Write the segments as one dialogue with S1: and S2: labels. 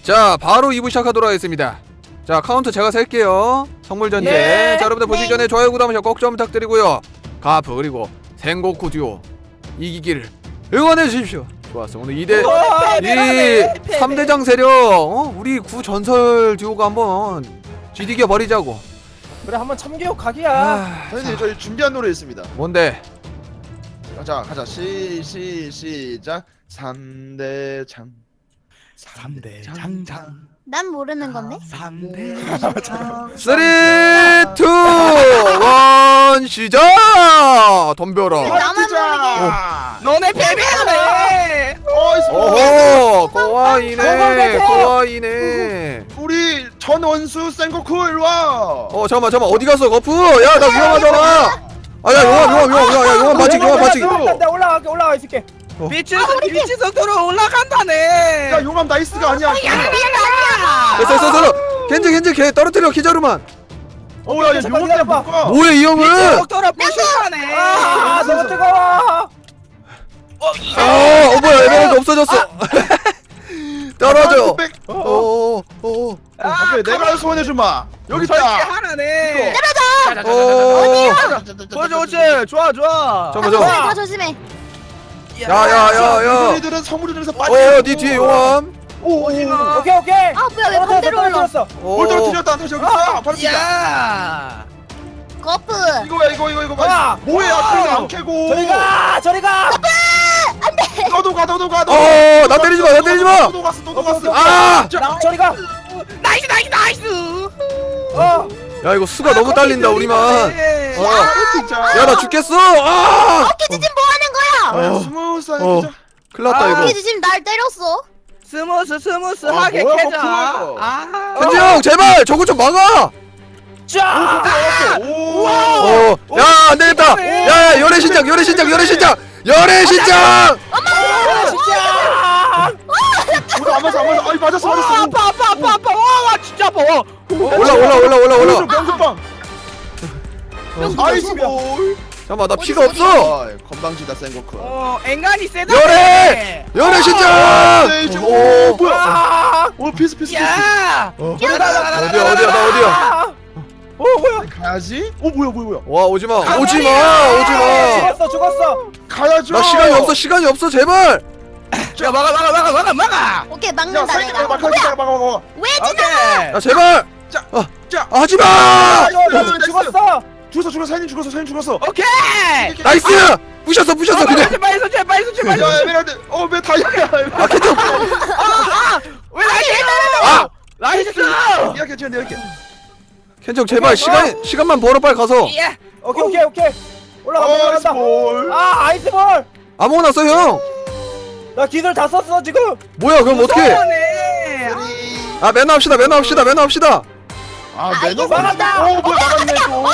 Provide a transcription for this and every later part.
S1: 자, 바로 2부 시작하도록 하겠습니다. 자, 카운트 제가 셀게요. 선물 전제.
S2: 네.
S1: 자, 여러분들 보시기 전에 좋아요, 구독, 꼭 좀 부탁드리고요. 가프 그리고 생고쿠 듀오 이기기를 응원해 주십시오. 좋았어. 오늘 3대장 세력, 우리 구 전설 듀오가 한번 쥐디겨 버리자고.
S2: 그래 한번 참교육 각이야.
S3: 선생님 저희 준비한 노래 있습니다.
S1: 뭔데?
S3: 가자 시작 3대장
S4: 난 모르는 건데.
S1: 3, 2, 1 시작! 덤벼라.
S4: 나만 모르게.
S2: 너네 패배하네.
S1: 오호, 꼬아이네.
S3: 우리 전 원수 센고쿠 일로 와.
S1: 잠깐만 어디 갔어 거프? 야, 나 위험하잖아. 야, 용암 맞지.
S2: 나 올라가 있을게. 빛의 속도로 올라간다네.
S3: 야 용암 나이스가 아니야.
S1: 됐어. 겐지 걔 떨어뜨려 기자루만.
S3: 야 용암 못 가.
S1: 뭐야 이 형은?
S2: 속도로 부신다네. 너무 뜨거워.
S1: 뭐야 에메랄드 없어졌어. 떨어져.
S3: 오케이 내가 소원해 주마. 여기 있다.
S2: 하나네. 그렇지. 좋아.
S1: 잠깐만.
S4: 다 조심해.
S1: 야.
S3: 우리들은 성물들에서 빠져.
S1: 네 뒤에 용암.
S2: 오케이.
S4: 아 뭐야 왜 반대로 올라?
S3: 뭘 떨어뜨렸다. 다시 여기 있어. 바로 진짜.
S2: 야.
S4: 거프.
S3: 이거
S2: 아!
S3: 뭐야? 그냥 안 캐고.
S2: 저리 가.
S3: 너도 가.
S1: 나 때리지 마.
S3: 너도 갔어.
S1: 아!
S2: 저리 가. 나이스.
S1: 야 이거 수가 너무 딸린다 우리만.
S3: 진짜.
S1: 야 나 죽겠어.
S4: 키즈 지금 뭐 하는 거야?
S3: 스무스하게 진짜.
S1: 큰일 났다 이거.
S4: 키즈 지금 날 때렸어.
S2: 스무스하게
S3: 뭐야,
S2: 캐자.
S3: 거푸.
S1: 현지 형 제발 저거 좀 막아.
S2: 자.
S3: 오.
S1: 야 안되겠다. 야 열애신장.
S2: 진짜.
S3: 우리 안 맞아. 아이 맞았어.
S2: 아파. 와 진짜 아파.
S1: 올라.
S3: 명수빵. 아이스 볼.
S1: 잠깐만 나 피가 없어.
S3: 건방지다 센고쿠.
S2: 앵간이 세다.
S1: 열애신장.
S3: 오 뭐야? 오 피스.
S2: 야.
S1: 어디야 나 어디야?
S2: 뭐야?
S3: 가야지. 오 뭐야?
S1: 와 오지마.
S2: 죽었어.
S3: 가야죠.
S1: 나 시간이 없어 제발.
S2: 야 막아.
S4: 오케이
S3: 야
S4: 막는다
S3: 사이드
S4: 내가.
S3: 막아.
S4: 왜 지나가?
S1: 야 제발.
S3: 자.
S1: 하지마.
S2: 죽었어.
S3: 사인이 죽었어.
S2: 오케이.
S1: 나이스. 부셨어 그냥.
S2: 제발.
S3: 야 에메랄드. 왜 다이아야?
S2: 왜 나이스? 나이스.
S3: 이렇게 지금 이렇게.
S1: 켄정 제발 시간만 벌어 빨리 가서.
S2: 예. 오케이. 올라간다.
S3: 볼.
S2: 아이스볼.
S1: 아무거나 써 형.
S2: 나 기술 다 썼어 지금.
S1: 뭐야 그럼 어떡해?
S2: 아,
S1: 매너 합시다.
S3: 매너
S2: 막았다.
S3: 오 뭐야 막았네 또.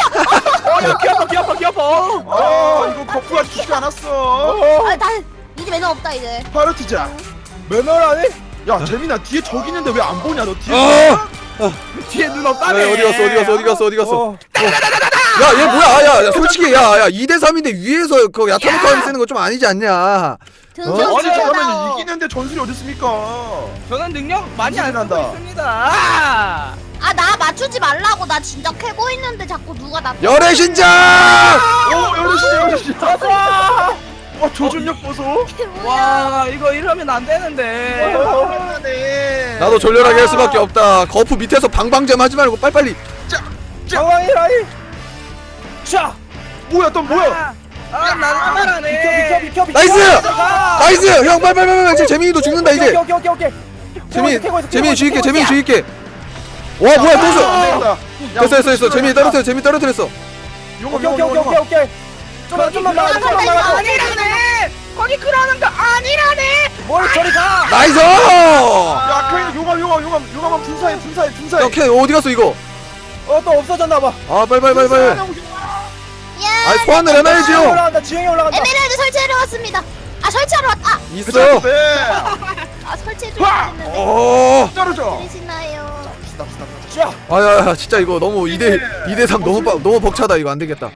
S2: 귀여워.
S3: 이거 거푸가 주지 않았어.
S4: 나 이제 매너 없다 이제.
S3: 바로 튀자.
S2: 매너라니?
S3: 야 재민아 뒤에 저기 있는데 왜 안 보냐 너 뒤에.
S2: 뒤에 눈 없다네.
S1: 어디 갔어? 야 얘 뭐야? 야 솔직히 야 2대3인데 위에서 그 야타노카를 쓰는 거 좀 아니지 않냐?
S3: 아니
S4: 등장.
S3: 그러면 이기는데 전술이 어디 있습니까?
S2: 저는 능력 많이 안 쓰고
S3: 난다.
S2: 있습니다.
S4: 나 맞추지 말라고. 나 진짜 캐고 있는데 자꾸 누가 나.
S1: 열애신장!
S3: 오 열리시.
S2: 좋아.
S3: 와 조준력 보소.
S2: 와 이거 이러면 안 되는데.
S3: 네.
S1: 나도 졸렬하게 할 수밖에 없다. 거프 밑에서 방방잼 하지 말고 빨리빨리.
S2: 상황이라니. 자.
S3: 뭐야 또 뭐야?
S2: 나는 비켜.
S1: 나이스! 형 빨리. 이제 재민이도 죽는다 이제.
S2: 오케이.
S1: 재민이 죽일게. 와 뭐야 또 써. 됐어. 재민이 떨어뜨렸어.
S2: 오케이. 좀만 막아. 아니라네. 거기 그러는 거 아니라네. 뭘 저리 가.
S1: 나이스!
S3: 야 그냥 용암 분사해.
S1: 오케이 어디 갔어 이거?
S2: 또 없어졌나 봐.
S1: 빨리.
S4: 야.
S1: 소환을 해놔야지요.
S2: 올라간다. 지형이 올라간다.
S4: 에메랄드 설치하러 왔습니다. 설치하러 왔다.
S1: 있어.
S4: 설치해주려 했는데.
S3: 떨어져.
S4: 들으시나요?
S2: 자.
S1: 아야 진짜 이거 너무 2대3 너무 벅차다. 이거 안 되겠다.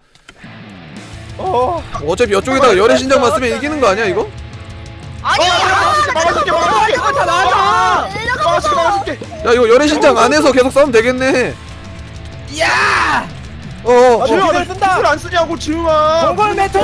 S1: 어차피 이쪽에다가 열애신장만 쓰면 이기는 거 아니야 이거?
S4: 아니야.
S3: 막아줄게.
S2: 이거 다 나가.
S3: 막아줄게.
S1: 야 이거 열애신장 안에서 계속 싸우면 되겠네.
S5: 야!
S1: 어어.
S3: 지우야
S2: 기술
S3: 너
S2: 쓴다.
S3: 기술 안 쓰냐고 지우야.
S2: 공골 메테오.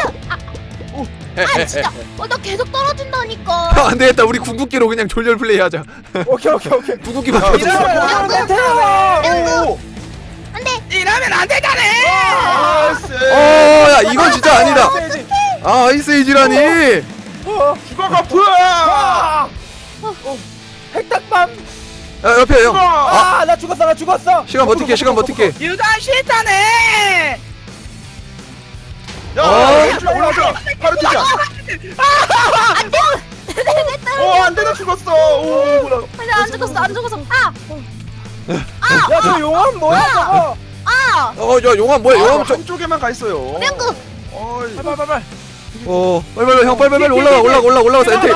S4: 아 진짜 나 계속 떨어진다니까.
S1: 형 안되겠다. 우리 궁극기로 그냥 졸렬 플레이하자.
S2: 오케이.
S1: 궁극기만
S3: 야,
S1: 계속 써.
S2: 공골 메테오.
S3: 오.
S4: 안돼.
S5: 이러면 안 되잖아.
S3: 나이스.
S1: 야 이건 진짜 아니다. 아 아이스에이지라니.
S3: 죽어 거프.
S2: 핵닭밤.
S1: 야 옆에 형.
S2: 나 죽었어.
S1: 시간 버틸게.
S5: 유단 싫다네.
S3: 야 올라오자. 바로 뛰자. 안 되나 죽었어. 오 뭐야.
S4: 아니 안 죽었어.
S2: 야, 저 용암 뭐야 저거?
S1: 야 용암 뭐야? 용암 저.
S3: 한쪽에만 가 있어요.
S4: 명구.
S3: 어이.
S5: 빨빨빨빨.
S1: 빨리 형 빨리 올라가서 엔테.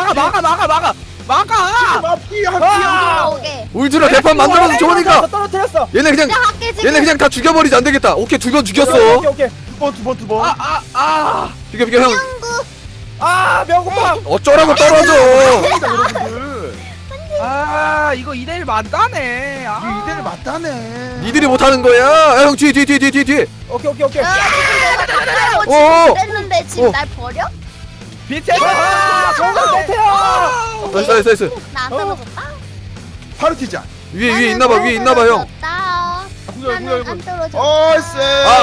S5: 막아.
S3: 피야.
S4: 오케이.
S1: 울트라 대판 만들어서 좋으니까.
S2: 떨어뜨렸어.
S1: 얘네 그냥
S4: 내가 할게 지금.
S1: 다 죽여버리지 안 되겠다. 오케이 두 번 죽였어.
S2: 오케이.
S3: 두 번.
S1: 죽여 형.
S4: 명구.
S2: 명구빵.
S1: 어쩌라고 떨어져.
S3: 여러분들.
S5: 이거 2대1 맞다네.
S3: 이대를 맞다네.
S1: 니들이 못하는 거야. 야, 형 뒤에.
S2: 오케이.
S1: 어.
S4: 그랬는데 지금 날 버려?
S5: 빛의
S2: 공골 메테오.
S1: 나이스.
S4: 나 안 떨어졌다.
S3: 바로 뛰자.
S1: 위에 있나봐 형.
S4: 나는 안 떨어졌다.
S3: 어이스.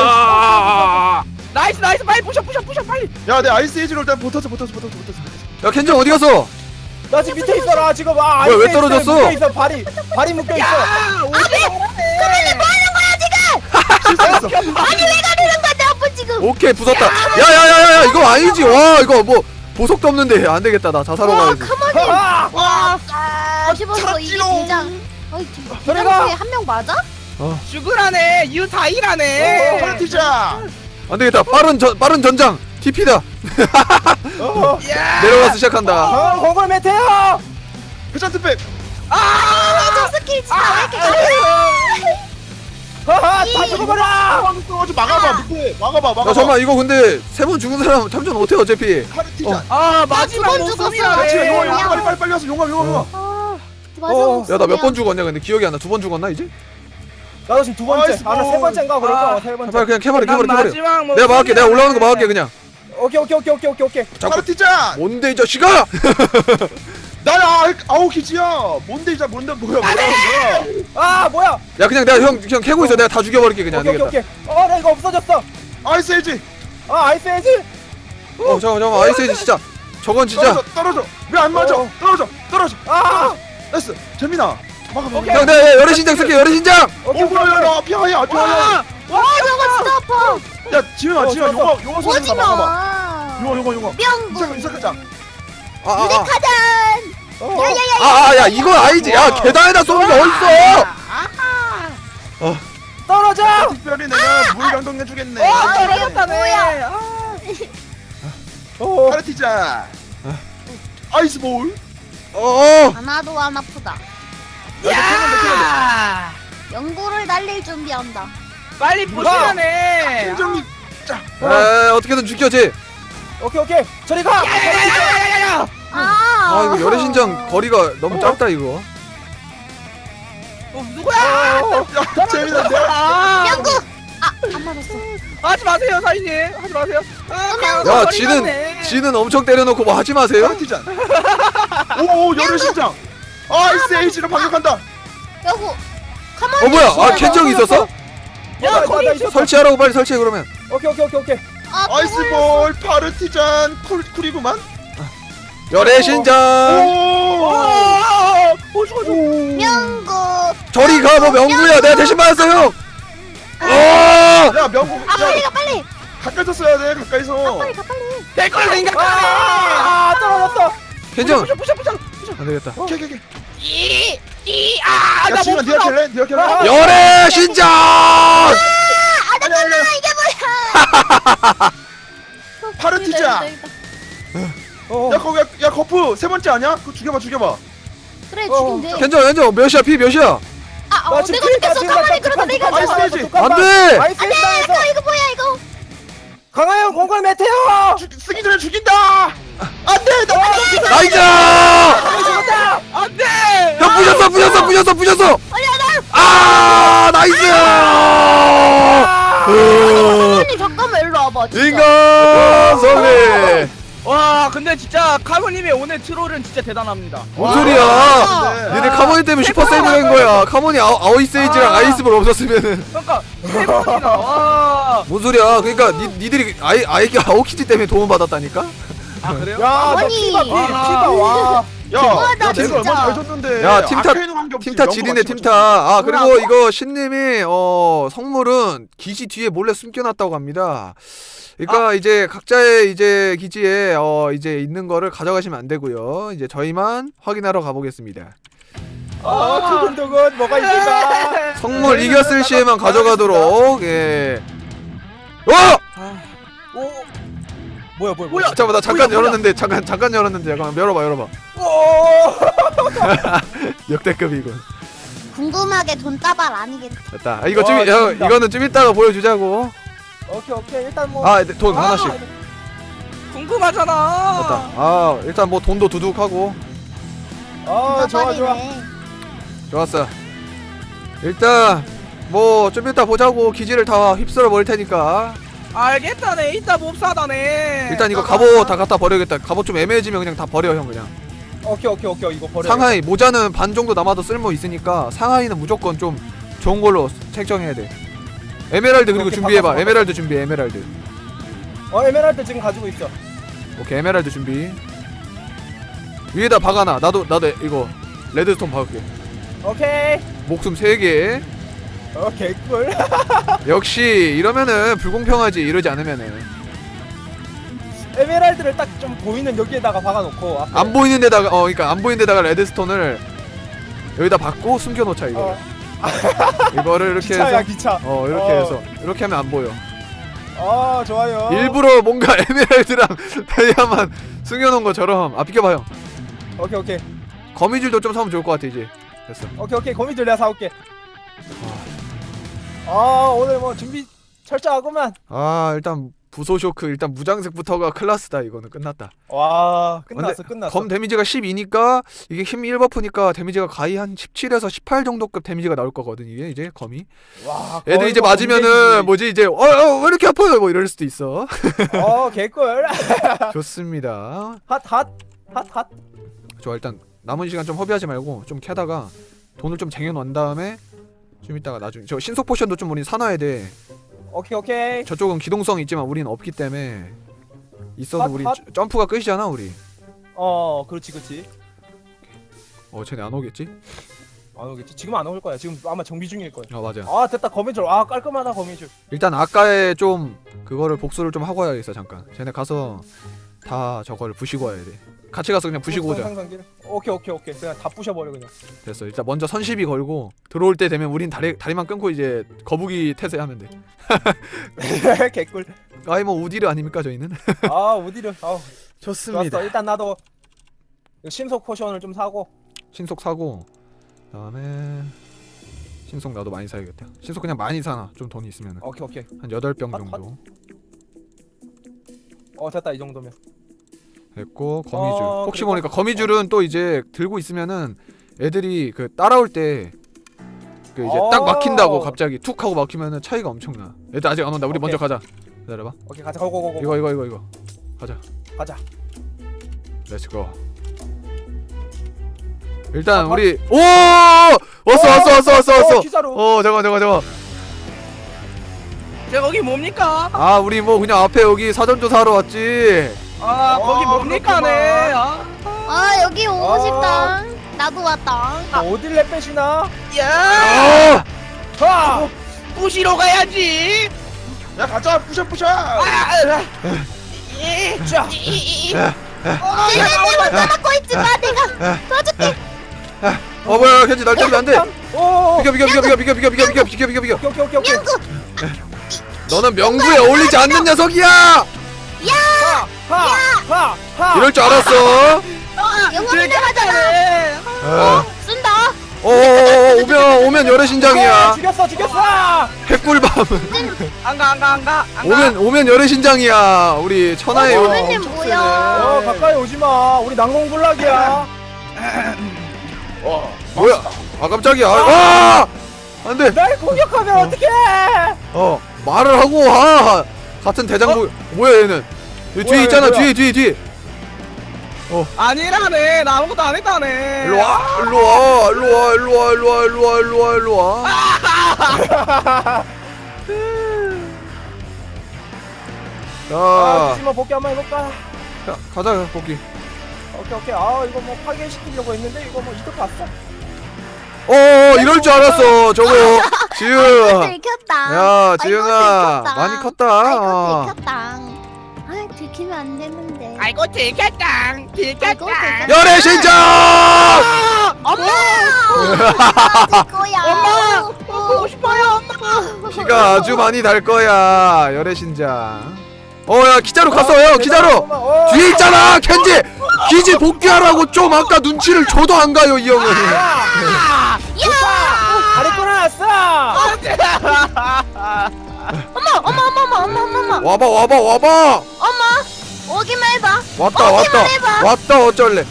S5: 나이스 빨리 부셔 빨리.
S3: 야, 내 아이스 에이지로 일단 붙었어.
S1: 야 켄정 어디 갔어?
S2: 나 지금 밑에 있어라 지금.
S1: 왜 떨어졌어?
S2: 묶여 있어. 발이 묶여 있어.
S3: 실수했어.
S4: 아니 왜 가르는 거야 내 아빠 지금.
S1: 오케이 부쉈다. 야야야야 이거 아니지. 와 이거 뭐 보석도 없는데 안 되겠다. 나 자살하고 가야지.
S4: 가만히.
S2: 와.
S4: 씹어서 이게 대장. 어이
S2: 저리가.
S4: 대장 한명 맞아?
S5: 죽으라네. 유다이라네.
S3: 바로 뛰자.
S1: 안 되겠다. 빠른 전장. TP다.
S5: 야!
S1: 내려가서 시작한다.
S2: 공골 메테오.
S3: 회전 특백.
S4: 저 스킬 진짜 왜 이렇게
S2: 다 죽어버려.
S3: 좀 막아봐. 밑에 막아봐.
S1: 야 잠깐만 이거 근데 세 번 죽은 사람 참전 못해 어차피.
S3: 바로 뛰자.
S5: 마지막
S4: 두번 죽었어.
S5: 모습이라네.
S3: 용암 빨리 와서 용암.
S4: 맞아.
S1: 야 나 몇 번 죽었냐 근데 기억이 안 나. 두 번 죽었나 이제?
S2: 나도 지금 두 번째.
S3: 아이스
S2: 나 세 번째인가 그럴 거야. 세 번째.
S1: 빨리 그냥 캐버려.
S5: 마지막
S1: 내가 막을게. 내가 올라오는 거 막을게 그냥.
S2: 오케이.
S3: 바로 뛰자.
S1: 뭔데 이 자식아?
S3: 나야 아우 기지야. 뭔데 뭐야
S2: 뭐야?
S1: 야 그냥 내가 형 캐고 있어. 내가 다 죽여버릴게 그냥. 안 되겠다.
S2: 오케이. 나 이거 없어졌어.
S3: 아이스 에이지.
S2: 아이스 에이지.
S1: 잠깐만 아이스에이지 진짜. 저건 진짜.
S3: 떨어져. 왜 안 맞아? 떨어져. 나이스. 재민아. 막아.
S1: 형 내가 열애신장 쓸게. 열애신장.
S2: 오케이.
S3: 야, 피하야.
S4: 와 저거 진짜 아파.
S3: 야, 지훈아, 용어 소리
S4: 오지
S3: 막아봐.
S4: 마.
S3: 용어.
S4: 명구.
S3: 시작하자.
S4: 유리카잔.
S1: 야 이건 아니지. 야 계단에다 쏘는 게 어딨어?
S2: 떨어져.
S3: 특별히 내가 물 강동해 주겠네.
S5: 떨어졌다네.
S3: 바로 뛰자. 아이스볼.
S4: 하나도 안 아프다.
S5: 야!
S4: 연구를 날릴 준비한다.
S5: 빨리 부시라네.
S3: 김정희.
S1: 어떻게든 죽여지.
S2: 오케이. 저리 가.
S5: 야야야야야야.
S1: 이거 열애신장 거리가 너무 짧다 이거.
S5: 누구야?
S3: 야, 재민아, 내가
S4: 명구. 안 맞았어.
S5: 하지 마세요, 사인님. 하지 마세요.
S1: 야 지는 엄청 때려놓고 뭐 하지 마세요.
S3: 바로 뛰자. 오, 열혈 신장. 아이스 에이지로 반격한다.
S4: 여보. 가만히.
S1: 뭐야? 켄정이 있었어?
S5: 야, 거기
S2: 나 있어.
S1: 설치하라고 빨리 설치해 그러면.
S2: 오케이.
S3: 아이스볼 파르티잔 쿨이구만.
S1: 열애신장.
S3: 오, 죽어.
S4: 명구.
S1: 저리 가. 뭐 명구야. 내가 대신 맞았어 형.
S3: 야, 명곡.
S4: 빨리.
S3: 가까이서 써야 돼. 가까이서.
S4: 빨리 가.
S5: 될 거라 생각하네.
S2: 떨어졌어.
S1: 켄정.
S5: 부셔.
S1: 안 되겠다.
S3: 오케이.
S5: 나
S3: 야, 지금
S5: 못
S3: 네가
S5: 풀어.
S3: 킬래?
S1: 열애신장.
S4: 잠깐만 이게 뭐야?
S3: 파르티자. 야, 거기 야, 거프 세 번째 아니야? 그거 죽여봐.
S4: 그래 죽인데.
S1: 켄정 몇이야? 피 몇이야?
S2: 나 지금
S4: 내가 죽겠어. 가만히 그러다 내가
S3: 아이스
S4: 죽어.
S3: 에이지.
S1: 안 돼.
S2: 아이스 에이지에서
S4: 이거 뭐야 이거?
S2: 강하영 공골 메테오.
S3: 쓰기 전에 죽인다. 안 돼. 나
S1: 나이스.
S2: 죽었다.
S5: 안 돼.
S1: 형 부셨어. 부셨어. 아 나이스.
S4: 아니 잠깐만 일로 와봐. 진짜.
S1: 인간 승리.
S5: 와 근데 진짜 카모님의 오늘 트롤은 진짜 대단합니다.
S1: 뭔 소리야? 니네 카모니 때문에 슈퍼 세이브 된 거야. 카모니 아오이 세이지랑 아이스볼 없었으면은.
S5: 그러니까 세 번이나 와.
S1: 뭔 소리야? 그러니까 니들이 아이기 아오키지 때문에 도움 받았다니까.
S5: 아 그래요?
S2: 야너
S4: 아니.
S2: 피가 와.
S3: 야,
S4: 나
S3: 내가
S4: 진짜.
S3: 얼마 잘 줬는데.
S1: 야, 팀타-
S3: 아케이노 관계 없이
S1: 팀타
S3: 영어가
S1: 지리네
S3: 씹어줘.
S1: 팀타. 아 그리고 이거 신님이 성물은 기지 뒤에 몰래 숨겨놨다고 합니다. 그러니까 이제 각자의 이제 기지에 이제 있는 거를 가져가시면 안 되고요. 이제 저희만 확인하러 가보겠습니다.
S2: 두근두근 뭐가 있을까?
S1: 성물 이겼을 시에만 가져가도록. 예.
S5: 오.
S2: 뭐야
S1: 잠깐만 나 잠깐
S5: 뭐야?
S1: 열었는데 잠깐 열었는데 잠깐 열어봐.
S2: 오.
S1: 역대급이군.
S4: 궁금하게 돈 따발 아니겠지.
S1: 됐다. 아, 이거
S2: 와,
S1: 좀
S2: 재밌다.
S1: 이거는 좀 이따가 보여주자고.
S2: 오케이 일단 뭐.
S1: 아 돈 하나씩.
S5: 궁금하잖아.
S1: 됐다. 아 일단 뭐 돈도 두둑하고.
S2: 좋아.
S4: 따발이네.
S1: 좋았어. 일단 뭐 좀 이따 보자고. 기지를 다 휩쓸어 버릴 테니까.
S5: 알겠다네. 이따 몹사다네.
S1: 일단 이거 갑옷 다 갖다 버려야겠다. 갑옷 좀 애매해지면 그냥 다 버려 형 그냥.
S2: 오케이 이거 버려.
S1: 상하이 모자는 반 정도 남아도 쓸모 있으니까 상하이는 무조건 좀 좋은 걸로 책정해야 돼. 에메랄드 그리고
S2: 오케이,
S1: 준비해봐.
S2: 바꿔서.
S1: 에메랄드 준비. 에메랄드.
S2: 에메랄드 지금 가지고 있어.
S1: 오케이 에메랄드 준비. 위에다 박아놔. 나도 이거 레드스톤 박을게.
S2: 오케이.
S1: 목숨 3개.
S2: 오케이 꿀.
S1: 역시 이러면은 불공평하지. 이러지 않으면은
S2: 에메랄드를 딱 좀 보이는 여기에다가 박아놓고. 앞에.
S1: 안 보이는 데다가 그러니까 안 보이는 데다가 레드스톤을 여기다 박고 숨겨놓자 이거. 이거를 이렇게
S2: 기차야
S1: 해서
S2: 기차.
S1: 이렇게 해서 이렇게 하면 안 보여.
S2: 좋아요.
S1: 일부러 뭔가 에메랄드랑 다이아만 숨겨놓은 것처럼. 비켜봐요.
S2: 오케이.
S1: 거미줄도 좀 사면 좋을 것 같아 이제. 됐어.
S2: 오케이 거미줄 내가 사올게. 오늘 뭐 준비 철저하구만.
S1: 일단 부소 쇼크 일단 무장색부터가 클라스다. 이거는 끝났다.
S2: 와
S1: 근데
S2: 끝났어.
S1: 검 데미지가 12니까 이게 힘 1버프니까 데미지가 가히 한 17에서 18 정도급 데미지가 나올 거거든 이게 이제 검이.
S2: 와.
S1: 애들 이제 맞으면은 뭐지 이제 왜 이렇게 아파요 뭐 이럴 수도 있어.
S2: 개꿀.
S1: 좋습니다.
S2: 핫.
S1: 좋아 일단 남은 시간 좀 허비하지 말고 좀 캐다가 돈을 좀 쟁여놓은 다음에 좀 이따가 나중에 저 신속 포션도 좀 우린 사놔야 돼.
S2: 오케이.
S1: 저쪽은 기동성 있지만 우린 없기 때문에 있어도
S2: 핫,
S1: 우리
S2: 핫.
S1: 점프가 끝이잖아 우리.
S2: 그렇지.
S1: 쟤네 안 오겠지?
S2: 안 오겠지. 지금 안 올 거야. 지금 아마 정비 중일 거야.
S1: 맞아.
S2: 됐다 거미줄. 깔끔하다 거미줄.
S1: 일단 아까의 좀 그거를 복수를 좀 하고 와야겠어 잠깐. 쟤네 가서 다 저거를 부시고 와야 돼. 같이 가서 그냥 부시고 오자.
S2: 오케이. 그냥 다 부셔버려 그냥.
S1: 됐어. 일단 먼저 선시비 걸고 들어올 때 되면 우린 다리만 끊고 이제 거북이 태세하면 돼.
S2: 개꿀.
S1: 아이 뭐 우디르 아닙니까 저희는?
S2: 우디르.
S1: 좋습니다.
S2: 좋았어. 일단 나도 신속 포션을 좀 사고.
S1: 신속 사고 그다음에 신속 나도 많이 사야겠다. 신속 그냥 많이 사나 좀 돈이 있으면
S2: 오케이.
S1: 한 8병
S2: 핫,
S1: 정도.
S2: 됐다 이 정도면.
S1: 됐고 거미줄. 혹시
S2: 그리고-
S1: 모르니까 거미줄은 또 이제 들고 있으면은 애들이 그 따라올 때 그 이제 딱 막힌다고 갑자기 툭 하고 막히면은 차이가 엄청나. 애들 아직 안 온다. 우리
S2: 오케이.
S1: 먼저 가자. 기다려봐.
S2: 오케이 가자. 고고고고.
S1: 이거 가자.
S2: 가자.
S1: 렛츠고. 일단 우리 왔어.
S2: 기사로.
S1: 잠깐.
S5: 제 거기 뭡니까?
S1: 우리 뭐 그냥 앞에 여기 사전조사 하러 왔지.
S5: 거기 뭡니까네.
S4: 여기 오고 싶다. 나도 왔다.
S2: 어딜 내빼시나?
S5: 야.
S2: 하!
S5: 부시러 가야지.
S3: 야 가자 부셔.
S2: 자.
S4: 내가 따라고 있지 마. 내가 도와줄게.
S1: 뭐야 켄지 날 때리면 안 돼.
S2: 오.
S1: 비켜.
S2: 오케이.
S4: 명구.
S1: 너는 명구에 어울리지 않는 녀석이야.
S2: 하.
S1: 이럴 줄 알았어.
S4: 영혼이 나가잖아. 쓴다.
S1: 오면 열의 신장이야.
S2: 죽였어.
S1: 핵꿀밤.
S5: 안가.
S1: 오면 열의 신장이야. 우리 천하의
S4: 선생님 뭐야?
S2: 가까이 오지 마. 우리 난공불락이야.
S1: 뭐야? 아 깜짝이야. 아! 안돼.
S2: 날 공격하면 어떡해?
S1: 말을 하고 와. 같은 대장부. 뭐야 얘는? 여기 뒤에
S2: 뭐야,
S1: 있잖아.
S2: 뭐야.
S1: 뒤에.
S5: 아니라네. 나 아무것도 안 했다네.
S1: 일로 와. 자,
S2: 디지몬 복귀 한번 해볼까?
S1: 가자 복귀.
S2: 오케이. 아 이거 뭐 파괴시키려고 했는데 이거 뭐 이득 봤어?
S1: 이럴 줄 알았어. 저거 지우.
S4: 들켰다.
S1: 야, 지은아,
S4: 들켰다.
S1: 많이 컸다.
S4: 아이고 들켰다. 아 들키면 안 되는데.
S5: 아이고 들켰다.
S4: 아이고, 들켰다.
S1: 열애 신장.
S4: 엄마. 거야.
S5: 엄마! 보고 싶어요, 엄마.
S1: 피가 아주 많이 달 거야. 열애 신장. 야 기자로 갔어. 형 기자로. 뒤에 있잖아 켄지. 기지 복귀하라고 좀 아까 눈치를 줘도 안 가요 이 형은.
S2: 야! 다리 끊어놨어!
S4: 엄마.
S1: 와봐.
S4: 엄마. 오기만 해봐.
S1: 왔다 어쩔래.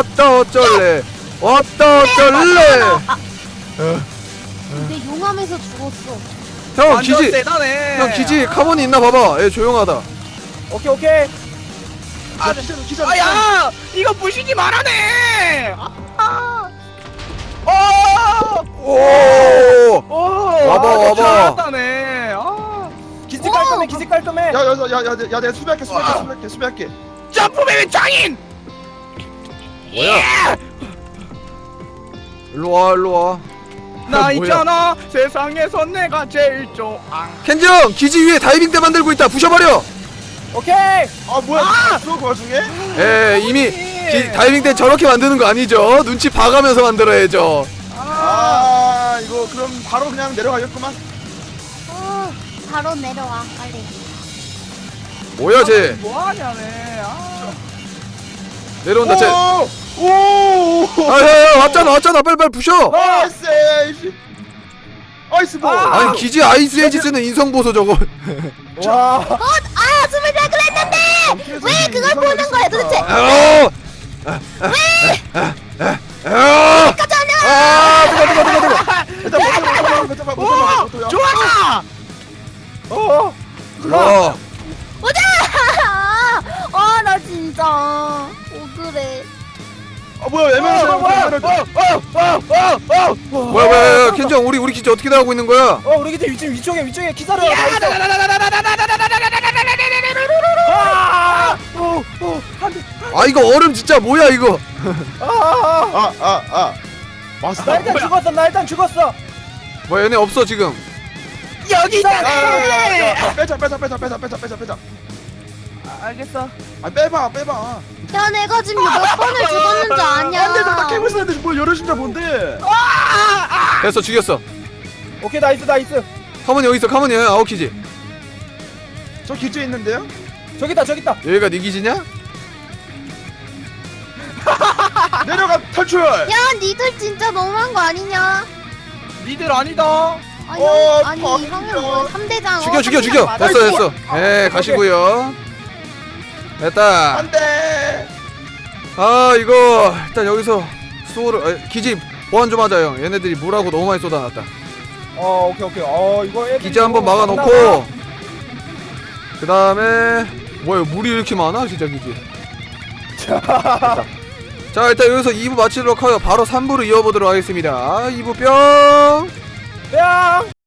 S4: 근데 용암에서 죽었어.
S1: 형
S5: 완전
S1: 기지.
S5: 세다네.
S1: 형 기지 카본이 있나 봐봐. 얘 조용하다.
S2: 오케이.
S3: 기자.
S5: 아야, 이거 부시지 말아네.
S1: 오. 와봐.
S5: 잘했다네.
S2: 기지 깔끔해.
S3: 야, 내가 수비할게.
S5: 점프맨 장인.
S1: 뭐야? 일로 와.
S5: 나
S1: 뭐야?
S5: 있잖아. 세상에서 내가 제일 좋아.
S1: 켄지 형 기지 위에 다이빙대 만들고 있다. 부셔버려.
S2: 오케이.
S3: 아, 뭐야? 그 와중에?
S1: 이미 다이빙대 저렇게 만드는 거 아니죠? 눈치 봐가면서 만들어야죠.
S3: 아, 이거 그럼 바로 그냥 내려가겠구만.
S4: 바로 내려와 빨리.
S1: 뭐야 쟤?
S5: 뭐하냐네.
S1: 내려온다 쟤.
S3: 오!
S1: 야 왔잖아 빨리 부셔.
S3: 아이스 볼.
S1: 아니 기지 아이스 에이지 쓰는 인성 보소 저거.
S2: 와.
S4: 아 숨을 잘 그랬는데 왜 그걸 보는 거야 도대체?
S1: 뜨거.
S3: 일단 못
S5: 좋아.
S4: 보자. 나 진짜 억울해.
S3: 뭐야?
S1: 뭐야 켄지 형 우리 기지 어떻게 나가고 있는 거야?
S2: 우리 기지 위쪽에 기사를 가 있어.
S1: 아 이거 얼음 진짜 뭐야 이거?
S3: 왔어.
S2: 나 일단 죽었어.
S1: 뭐야 얘네 없어 지금.
S5: 여기 있다.
S3: 빼자.
S5: 알겠어.
S3: 아, 빼봐.
S4: 야 내가 지금 몇 번을 죽었는지 아냐?
S3: 안돼, 나 깨고 있었는데 뭘 열어준다 뭔데?
S1: 됐어 죽였어.
S2: 오케이 나이스.
S1: 카몬이 여기 있어. 카몬이 아웃 기지.
S3: 저 기지에 있는데요?
S2: 저기 있다.
S1: 여기가 네 기지냐?
S3: 내려가 탈출.
S4: 야 니들 진짜 너무한 거 아니냐?
S5: 니들 아니다.
S4: 아니
S3: 더
S4: 이러면 뭐 3대장
S1: 죽여. 됐어. 가시고요. 됐다.
S3: 안돼.
S1: 이거 일단 여기서 수호를 기지 보안 좀 하자 형. 얘네들이 물하고 너무 많이 쏟아놨다.
S2: 오케이. 이거 애들이
S1: 기지 한번
S2: 이거
S1: 막아놓고 그 다음에 뭐야 물이 이렇게 많아 진짜 기지. 자 일단 여기서 2부 마치도록 하여 바로 3부로 이어보도록 하겠습니다. 2부 뿅.
S2: 야.